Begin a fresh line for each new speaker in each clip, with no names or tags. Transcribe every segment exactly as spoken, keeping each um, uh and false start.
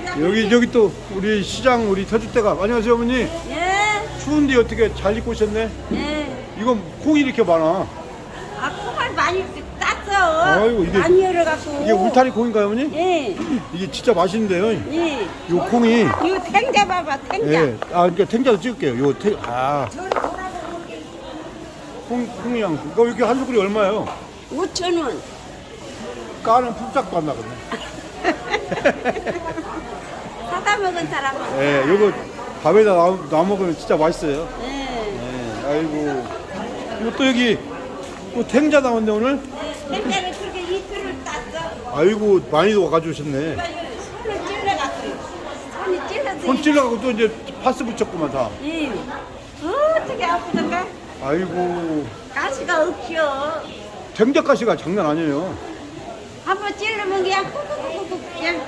여기 저기 또 우리 시장 우리 터줏대감. 안녕하세요 어머니.
예.
추운데 어떻게 잘 입고 오셨네?
예.
이건 콩이 이렇게 많아.
아, 콩을 많이 땄어.
아이고, 이게-
많이 열어갖고.
이게 울타리 콩인가요 어머니?
예.
이게 진짜 맛있는데요.
예.
요 콩이.
이거 탱자 봐봐, 탱자.
예. 아 그러니까 탱자도 찍을게요. 요 탱. 아. 콩 콩이랑 이거 이렇게 한 수구리 얼마예요?
오천 원.
까는 풀짝도 안 나거든요.
사다 먹은 사람은.
예. 요거 밥에다 놔, 놔 먹으면 진짜 맛있어요.
예.
예. 아이고. 이거 또 여기 또 탱자 나왔네 오늘.
탱자를 그렇게 이틀을 땄어.
아이고 많이도 가져오셨네.
손을 찔러갖고. 손이 찔러서.
손 찔러가고 또 이제 파스 붙였구만 다.
예. 어떻게 아프던가?
아이고
가시가 없죠.
탱자가시가 장난 아니에요.
한번 찔르면 그냥 꾹꾹꾹꾹 그냥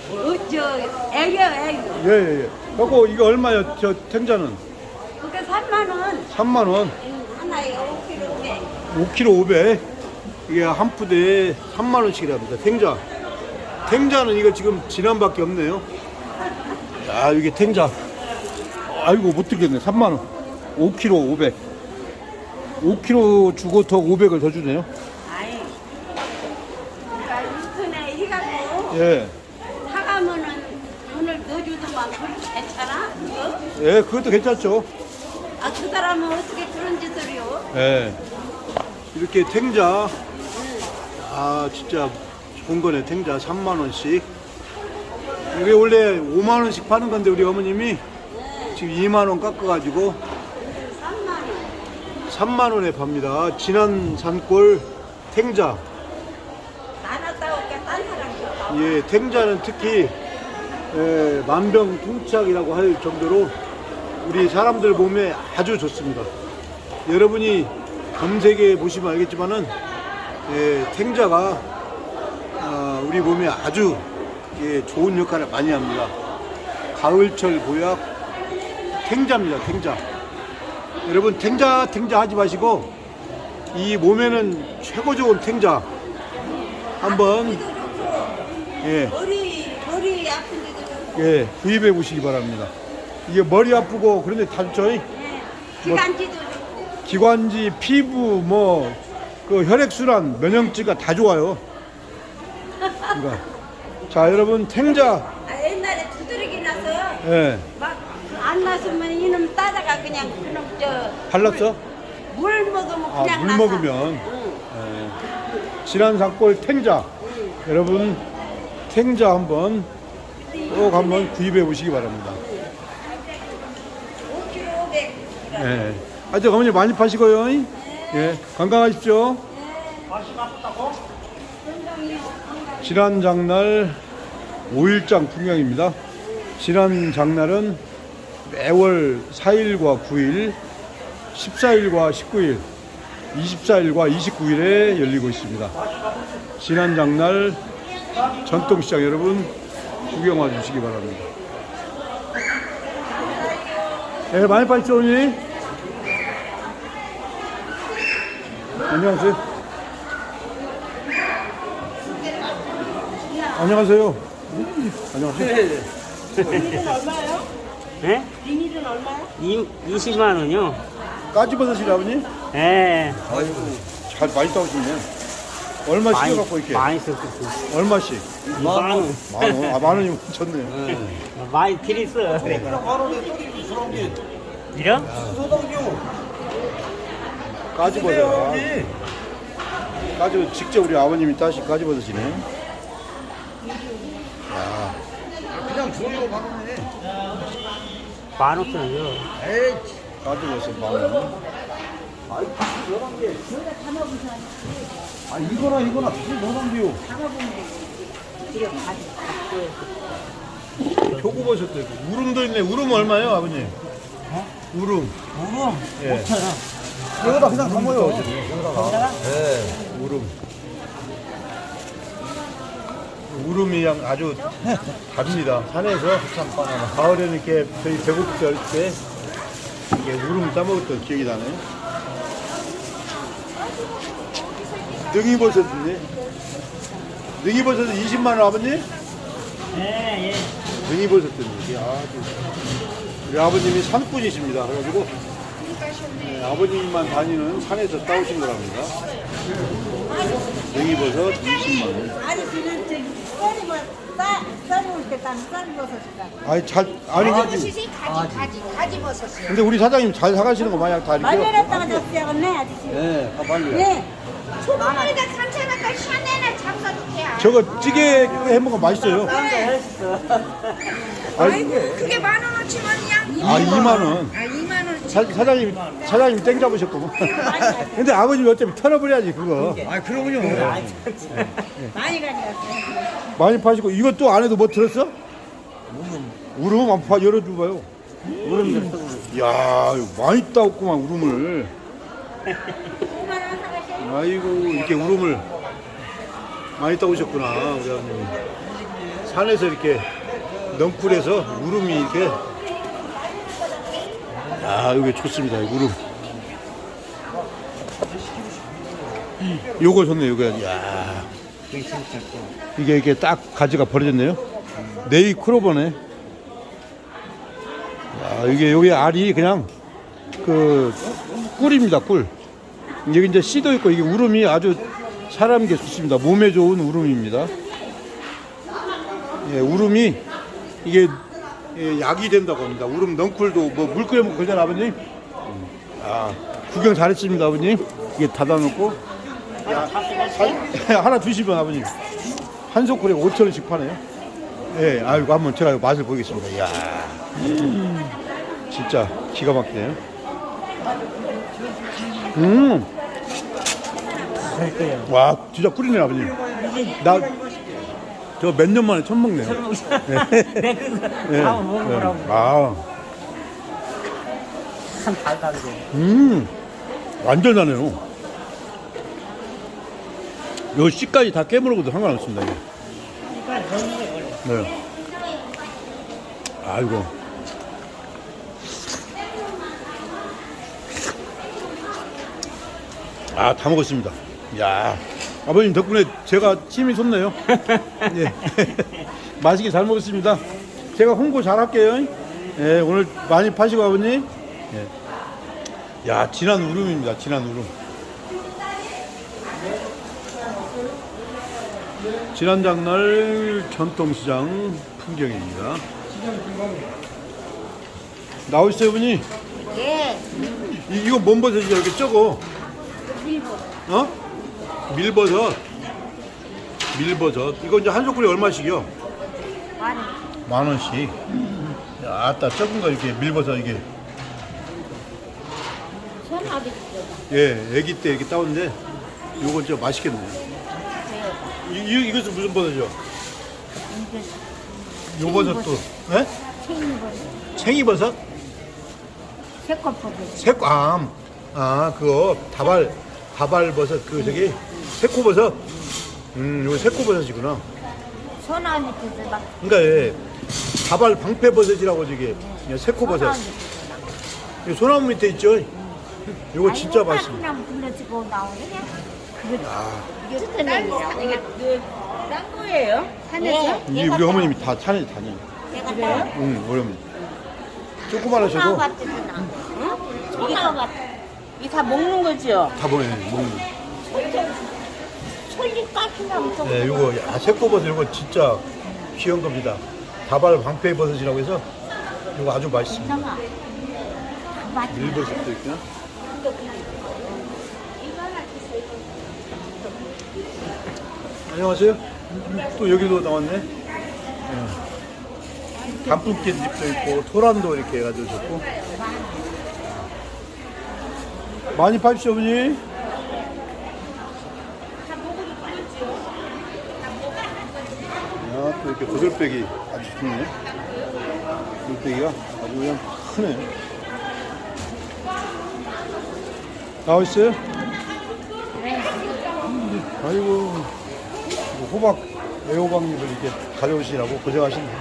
어저 애겨 애겨.
예예예. 그리고 이거 얼마요? 저 탱자는
그게 삼만 원.
삼만 원.
하나에 오 킬로에.
오 킬로그램 오백. 이게 한 푸대에 삼만 원씩이랍니다. 탱자. 탱자는 이거 지금 진한밖에 없네요. 아 이게 탱자. 아이고 못 들겠네. 삼만 원. 오 킬로그램 오백. 오 킬로그램 주고 더 오백을 더 주네요.
아이. 그러니까 인터넷 해갖고
예.
사가면은 돈을 넣어주더만 그거 괜찮아? 그거?
예, 그것도 괜찮죠.
아, 그 사람은 어떻게 그런 짓을 해요?
예. 이렇게 탱자. 아, 진짜 좋은 거네. 탱자 삼만 원씩. 이게 원래 오만 원씩 파는 건데 우리 어머님이 지금 이만 원 깎아가지고
삼만 원.
삼만 원에 팝니다. 진한 산골 탱자.
나눴다 올게 딴 사람이.
예, 탱자는 특히 예, 만병통치약이라고 할 정도로 우리 사람들 몸에 아주 좋습니다. 여러분이 검색해 보시면 알겠지만은 예, 탱자가 어, 우리 몸에 아주 예, 좋은 역할을 많이 합니다. 가을철 보약 탱자입니다. 탱자. 여러분 탱자 탱자 하지 마시고 이 몸에는 최고 좋은 탱자 한번 예,
머리, 머리 아픈 데도 좋고.
예, 구입해 보시기 바랍니다. 이게 머리 아프고 그런데 다 좋죠.
예. 기관지도 좋고.
기관지, 피부, 뭐, 그 혈액순환, 면역지가 다 좋아요. 그러니까. 자, 여러분, 탱자.
아, 옛날에 두드러기 나서
예.
막 안 났으면 이놈 따다가 그냥 그놈 저
발랐어?
물 먹으면
아,
그냥
물
나서.
먹으면.
응.
예. 진한산골 탱자. 여러분, 탱자 한번 꼭 한번 구입해 보시기 바랍니다.
오 킬로그램 오백.
예. 하여튼 어머니 많이 파시고요. 예. 건강하십시오. 지난 장날 오 일장 풍경입니다. 지난 장날은 매월 사 일과 구 일, 십사 일과 십구 일, 이십사 일과 이십구 일에 열리고 있습니다. 지난 장날 전통시장 여러분 구경 와 주시기 바랍니다. 네, 많이 파십시오, 어머니. 안녕하세요. 안녕하세요. 안녕하세요.
비닐은 얼마요?
네?
비닐은 얼마요?
이, 이십만 원이요?
까지버섯이라 아버님?
예.
아이고, 잘 많이 따오시네. 얼마씩 갖고 이렇게?
많이 썼었어.
얼마씩?
만 원.
만 원. 아, 만 원이면 괜찮네.
많이 드렸어. 이런?
까지버섯. 까지버섯 직접 우리 아버님이 따신 까지버섯이네.
그냥 조리로 바꾸네.
만 원짜리요.
에이,
까지버섯 만 원.
아 이거나 이거나 무슨 노동비요?
표고버섯도 있고. 우름도 있네. 우름 얼마예요, 아버님? 우름.
우rum
예.
오천 원.
여기다 그냥 담아요. 여기다가. 네.
우름. 우름이 양 아주 다릅니다. 산에서 가을에는 이렇게 저희 배고플 때 이게 우름 따먹었던 기억이 나네요. 능이버섯인데 능이버섯은 이십만 원 아버님?
예, 예.
등이버섯 때문에 이게 아주 우리 아버님이 산꾼이십니다. 그래가지고 네, 아버님만 다니는 산에서 따오신 거랍니다. 등이버섯 이십만 원.
아저씨는 저기 썰이면 싸 썰을 때 따는 썰버섯이라고.
아니 잘 아니 근데,
가지, 가지, 가지 버섯이요.
근데 우리 사장님 잘 사가시는 거 마냥 다 이렇게.
말려놨다가 줬어야겠네 아저씨.
네, 아, 빨리요.
네.
소금물에다 산채나까 샤넬을 잡숴도 돼.
저거 찌개 해 먹으면 맛있어요. 아니,
그게 만 원어치면이야.
아 이만 원.
아, 이만 원.
사, 사장님 사장님 땡 잡으셨구만. 근데 아버님 어차피 털어버려야지 그거.
아 그러군요.
많이 가져갔어요.
많이 파시고 이것도 안에도 뭐 들었어? 우름 한번 파 열어줘봐요.
우름 줬어.
이야 이거 많이 따왔구만 우름을. 아이고 이렇게 우름을 많이 따오셨구나 우리 아버님. 산에서 이렇게 넝쿨에서 우름이 이렇게. 야 이게 좋습니다 이 우름. 요거 좋네 요거. 야 이게 이게 딱 가지가 벌어졌네요. 네이 크로버네. 야 이게 여기 알이 그냥 그 꿀입니다 꿀. 여기 이제 씨도 있고 이게 우름이 아주 사람에게 좋습니다. 몸에 좋은 우름입니다. 예, 우름이 이게 예, 약이 된다고 합니다. 우름 넝쿨도 뭐 물 끓여 먹고 그러잖아 아버님. 아 구경 잘했습니다 아버님. 이게 닫아놓고 야, 한- 하나 주시면 아버님 한 소쿠리에 오천 원씩 파네요. 예, 아이고 한번 제가 맛을 보겠습니다. 이야, 진짜 기가 막히네요. 음, 와, 진짜 꿀이네 아버님. 나 저 몇 년 만에 처음 먹네요.
내 그거
예,
다 먹어보라고.
예. 아,
참 달달해.
음, 완전 나네요. 요 씨까지 다 깨물어도 상관없습니다. 이게. 네. 아이고. 아, 다 먹었습니다. 야, 아버님 덕분에 제가 침이 솟네요. 예. 맛있게 잘 먹었습니다. 제가 홍보 잘 할게요. 예, 오늘 많이 파시고 아버님. 예. 야, 진한 우름입니다. 진한 우름. 지난장날 전통시장 풍경입니다. 나오시죠, 어머니?
예.
이, 이거 뭔 버섯이야? 이렇게 적어. 어? 밀버섯. 밀버섯. 이거 이제 한 소쿠리 얼마씩이요?
만 원.
만 원씩. 야, 아따, 적은 거 이렇게 밀버섯 이게.
손아비
예, 애기 때 이렇게 따온데, 요건 진짜 맛있겠네요. 이, 이, 이것은 무슨 버섯이요? 요 버섯도, 예?
챙이버섯.
챙이버섯?
새콤버섯.
새ቋ암. 아, 그거, 다발, 다발버섯, 그, 저기, 새코버섯. 음, 요거 새코버섯이구나.
손아비 버섯 막.
그러니까, 예, 다발 방패버섯이라고 저기, 예, 새코버섯. 이 소나무 밑에 있죠? 요거 진짜 맛있어.
그냥 불러지고 나오네.
아,
이게 스테이크야. 이게 딴 거예요? 산에서?
이게 우리 어머님이 다 산에 다녀요.
내가 그래요?
응, 우리 어머니. 조그만하셔도
손아비 같지나. 응? 손아비 같.
이게 다 먹는 거죠?
다 보내, 먹는 거.
솔잎 까시나면 좀.
네, 요거, 야, 새코버섯 요거 진짜 귀한 겁니다. 다발 방패버섯이라고 해서 요거 아주 맛있습니다.
괜찮아. 다 맛있어.
밀버섯도 있구나. 안녕하세요. 또 여기도 나왔네. 네. 단풍깻잎도 있고 토란도 이렇게 해가지고 좋고. 많이 파십시오, 어머니. 야, 또 이렇게 고들빼기 아주 좋네. 고들빼기가 아주 그냥 크네. 나와있어요? 아이고, 이거 호박, 애호박잎을 이렇게 가져오시라고 고생하시네.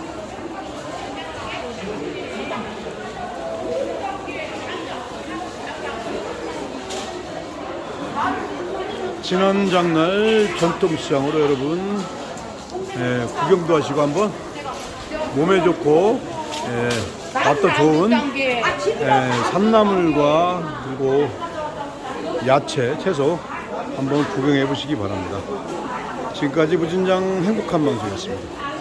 지난 장날 전통시장으로 여러분 예, 구경도 하시고 한번 몸에 좋고 예, 맛도 좋은 예, 산나물과 그리고 야채, 채소 한번 구경해 보시기 바랍니다. 지금까지 무진장 행복한 방송이었습니다.